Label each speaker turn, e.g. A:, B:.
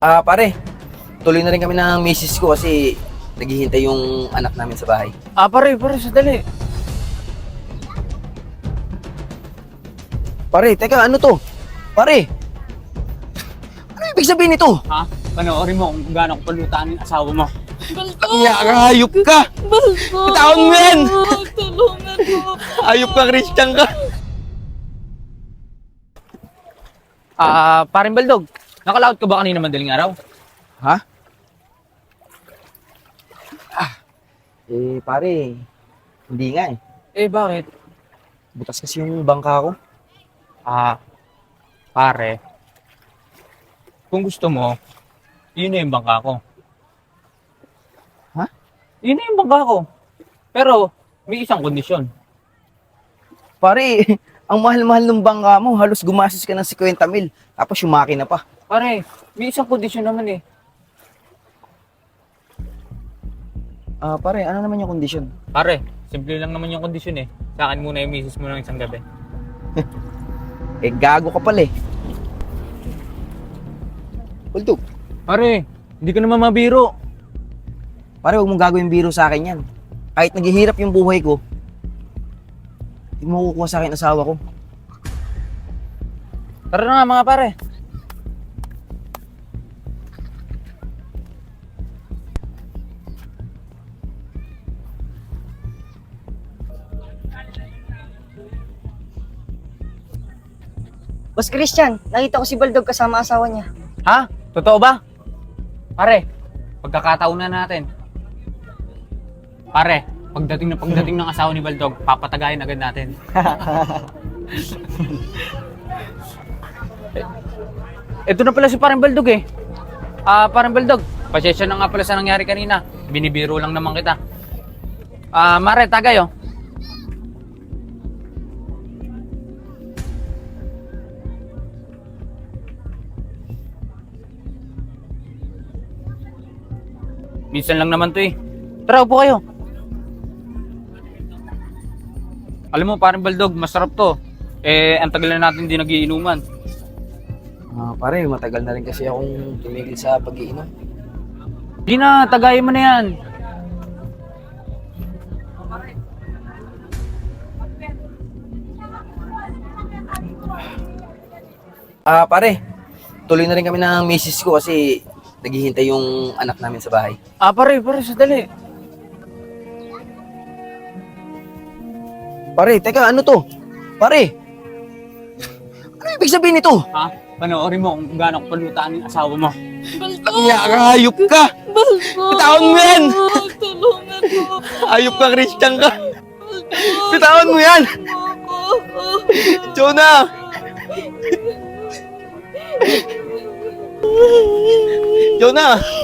A: Pare, tuloy na rin kami ng misis ko kasi naghihintay yung anak namin sa bahay.
B: Pare, sandali.
A: Pare, teka, ano to? Pare, ano ibig sabihin nito?
B: Ha? Panoorin mo kung gaano ko palutaan yung asawa mo.
A: Hayop ka! Bitawan mo yan!
C: Tulungan mo.
A: Hayop ka, Christian ka!
B: Paring Baldog, nakalaot ka ba kanina madaling araw?
A: Ha? Pare, hindi nga eh.
B: Bakit?
A: Butas kasi yung bangka ko.
B: Pare, kung gusto mo, yun na yung bangka ko.
A: Ha?
B: Yun na yung bangka ko. Pero, may isang kondisyon.
A: Pare, ang mahal-mahal ng bangka mo, halos gumastos ka ng 50,000. Tapos yung makina pa.
B: Pare, may isang kondisyon naman eh.
A: Pare, ano naman yung kondisyon?
B: Pare, simple lang naman yung kondisyon eh. Sa akin muna yung misis mo ng isang gabi.
A: Gago ka pala eh. Ultog.
B: Pare, hindi ka naman mabiro.
A: Pare, huwag mong gagawin biro sa akin yan. Kahit naghihirap yung buhay ko, hindi mo kukuha sa akin asawa ko.
B: Tara na nga mga pare.
C: Boss Christian, nakita ko si Baldog kasama asawa niya.
B: Ha? Totoo ba? Pare, pagkakataon na natin. Pare, pagdating ng asawa ni Baldog, papatagayin agad natin. Ito na pala si Parang Baldog eh. Parang Baldog, pasensya na nga pala sa nangyari kanina. Binibiro lang naman kita. Mare, tagay oh. Minsan lang naman to eh. Tara, upo kayo. Alam mo, Parang Baldog, masarap to. Ang tagal na natin hindi nagiinuman.
A: Pare, matagal na rin kasi akong tumigil sa pag-iinom.
B: Di na, tagayin mo na yan.
A: Pare, tuloy na rin kami ng misis ko kasi naghihintay yung anak namin sa bahay.
B: Pare, sandali.
A: Pare, teka, ano to? Pare, ano ibig sabihin nito?
B: Ha? Panoorin mo kung gaano ko palutaan yung asawa mo.
A: Hayop ka! Bitawan mo yan!
C: Tulungan mo.
A: Hayop ka, Christian ka! Bitawan mo yan! Jonah! Jonah!